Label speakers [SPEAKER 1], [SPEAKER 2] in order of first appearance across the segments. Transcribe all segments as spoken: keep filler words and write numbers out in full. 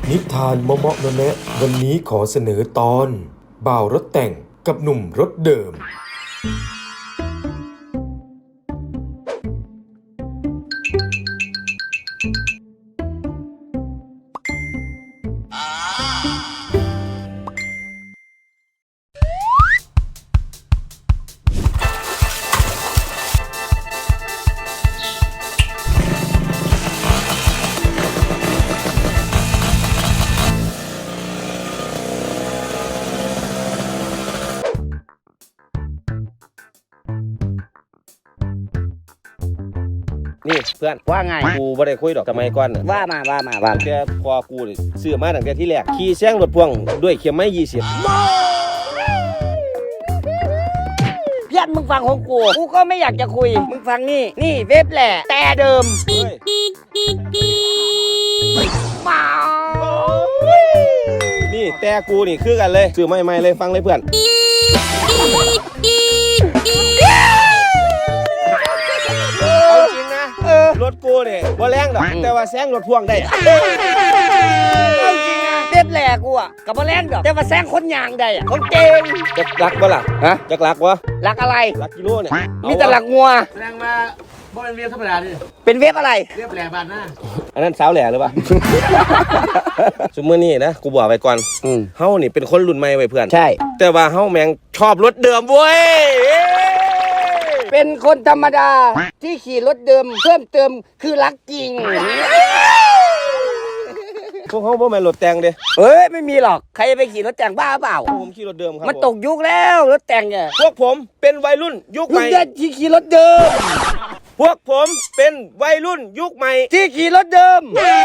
[SPEAKER 1] นิทานเมาะๆแนะๆวันนี้ขอเสนอตอนบ่าวรถแต่งกับหนุ่มรถเดิม
[SPEAKER 2] นี่เพื่อน
[SPEAKER 3] ว่าไง
[SPEAKER 2] กูไม่ได้คุยดอกสมัยก่อน
[SPEAKER 3] ว่ามาว่ามาว่า
[SPEAKER 2] แกพอกูซื้อมาตั้งแต่ที่แรกขี่แซงรถพ่วงด้วยเข็มไม้ยี่สิบ
[SPEAKER 3] เพื่อนมึงฟังของกูกูก็ไม่อยากจะคุยมึงฟังนี่นี่เว็บแหละแต่เดิมมา
[SPEAKER 2] นี่แต่กูนี่คือกันเลยซื้อไม่ไม่เลยฟังเลยเพื่อนเอาจริงนะรถกูเนี่ยบ่แรงดอกแต่ว่าแซงรถพ่วงได้
[SPEAKER 3] เอาจริงนะเว็บแหละกูอ่ะกับมาแรงแบบแต่ว่าแซงคนยางได้อ่ะคนเก่ง
[SPEAKER 2] จะรักบ่ล่ะฮะจะรักวะ
[SPEAKER 3] รักอะไร
[SPEAKER 2] รักกิโลเนี่ย
[SPEAKER 3] มีแต่รักงัว
[SPEAKER 4] แรงมาบ่เป็นเว็บธรรมดาดิ
[SPEAKER 3] เป็นเว็บอะไร
[SPEAKER 4] เว็บแหลบานหน้า
[SPEAKER 2] อันนั้นสาวแหล่หรือเปล่าสมมตินี่นะกูบอกไว้ก่อนเฮานี่เป็นคนรุ่นใหม่ไว้เพื่อน
[SPEAKER 3] ใช่
[SPEAKER 2] แต่ว่าเฮาแม่งชอบรถเดิมเว้ย
[SPEAKER 3] เป็นคนธรรมดาที่ขี่รถเดิมเพิ่มเติมคือรักจริง
[SPEAKER 2] พวกเขาบ่แม่นรถแต่งเด้
[SPEAKER 3] เฮ้ยไม่มีหรอกใครจะไปขี่รถแต่งบ้าเปล่า
[SPEAKER 2] ผมขี่รถเดิมครับ
[SPEAKER 3] มันตกยุคแล้วรถแต่งเนี่ย
[SPEAKER 2] พวกผมเป็นวัยรุ่นยุคใหม่
[SPEAKER 3] ที่ขี่รถเดิม
[SPEAKER 2] พวกผมเป็นวัยรุ่นยุคใหม่
[SPEAKER 3] ที่ขี่รถเดิม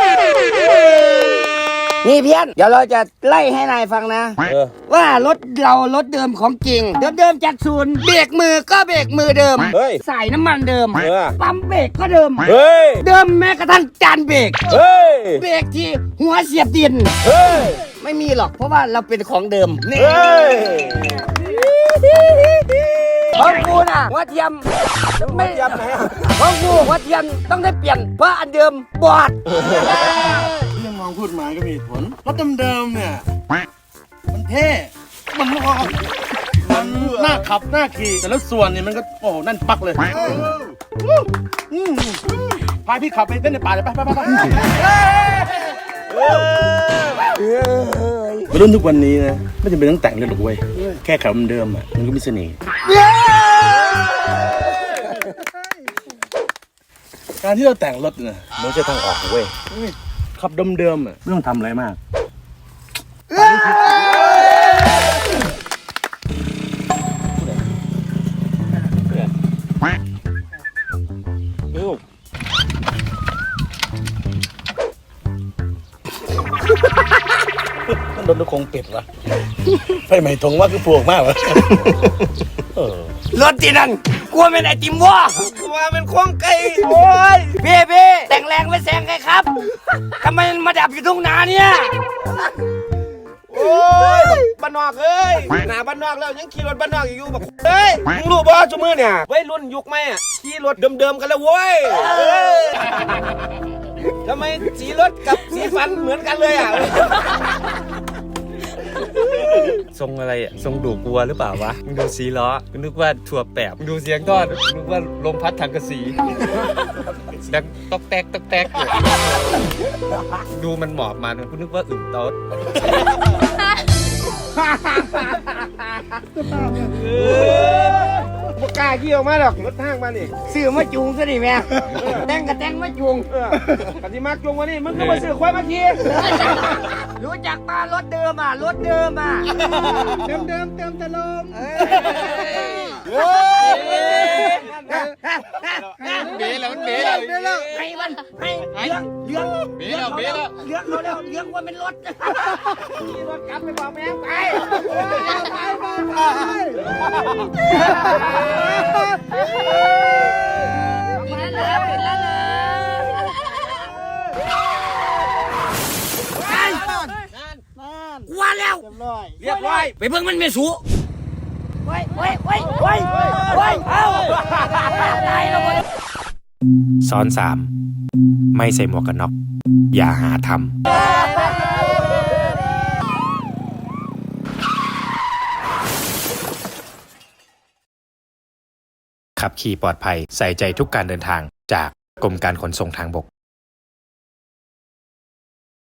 [SPEAKER 3] นี่เพี้ยนเดี๋ยวเราจะไล่ให้นายฟังนะว่ารถเรารถเดิมของจริงเดิมเดิมจากศูนย์เบรกมือก็เบรกมือเดิมใส่น้ำมันเดิมปั๊มเบรกก็เดิมเดิมแม้กระทั่งจานเบรกเบรกที่หัวเสียบดินไม่มีหรอกเพราะว่าเราเป็นของเดิมนี่ของกูน่ะหัวเทียมไม่เทียมไหนของกูหัวเทียมต้องได้เปลี่ยนเพราะอันเดิมบอด
[SPEAKER 4] เรื่องมองพูดมาก็มีผลรถเดิมๆเนี่ยมันเท่มันมันน่าขับน่าขี่แต่แล้วส่วนเนี่ยมันก็โอ้นั่นปักเลยพาพี่ขับไปเต้นในป่าเลยไปไปไปไปรุ่นทุกวันนี้นะไม่จำเป็นต้องแต่งเลยหรอกเว้ยแค่ขับเดิมอ่ะมันก็มีเสน่ห์การที่เราแต่งรถเนี่ยมันใช่ทางออกเว้ยขับเดิมๆอ่ะไม่ต้องทำอะไรมากมันโดนตะคงเป็ดวะไฟไหม้ทงว่าคือปลวกมากวะ
[SPEAKER 3] รถที่นั่นกลัวเป็นไอติมวะ
[SPEAKER 2] กลัวเป็นควงไก่
[SPEAKER 3] โอ้ยเบ้เบ้แต่งแรงไม่แซงใครครับทำไมมาดับอยู่ตรงนาเนี่ย
[SPEAKER 2] โอ้ยบ้านนอกเอ้ยหน้าบ้านนอกแล้วยังขี่รถบ้านนอกอยู่แบบเฮ้ยมึงรู้ป่ะชั่วมือเนี่ยวัยรุ่นยุคใหม่อ่ะขี่รถเดิมๆกันแล้วเว้ยทำไมสีรถกับสีฟันเหมือนกันเลยอ่ะ
[SPEAKER 5] ทรงอะไรอ่ะทรงดูกลัวหรือเปล่าวะมึงดูสีล้อมึงนึกว่าถั่วแปบมึงดูเสียงก้อนมึงนึกว่าลมพัดถังกระสีดังตอกแตกตอกแตกเลยดูมันหมอบมาคุณนึกว่าอึ่งโต๊ด
[SPEAKER 2] พวกกล้าขี่ออกมาหรอกรถทางมานี่
[SPEAKER 3] ซื้อมาจูงซะดิแม่แต่งกับแต่งมาจูง
[SPEAKER 2] กันที่มาจูงวันนี้มึงก็มาซื้อควายมาขี่
[SPEAKER 3] รู้จักปลารถเดิมอ่ะรถเดิมอ่ะ
[SPEAKER 4] เดิมเดิมเติมตะลม
[SPEAKER 3] เบี้ยแล้วมันเบี้ยแล้วให้มันให้เลี้ยงเลี้ยงเบี้ยแล้วเบี้ยแล้วเลี้ยงเขาแล้วเลี้ยงว่าเป็นรถขี่รถกลับไปบอกแม่ไปไปไปปิดแล้วปิดแล้วว่าแล้วเรียบร้อยไปเบิ่งมันไม่สู้ไว้ไว้ไว้ไว้ไว้เอาตายแล้ว
[SPEAKER 1] ซ้อนสามไม่ใส่หมวกกันน็อกอย่าหาทำขับขี่ปลอดภัยใส่ใจทุกการเดินทางจากกรมการขนส่งทางบก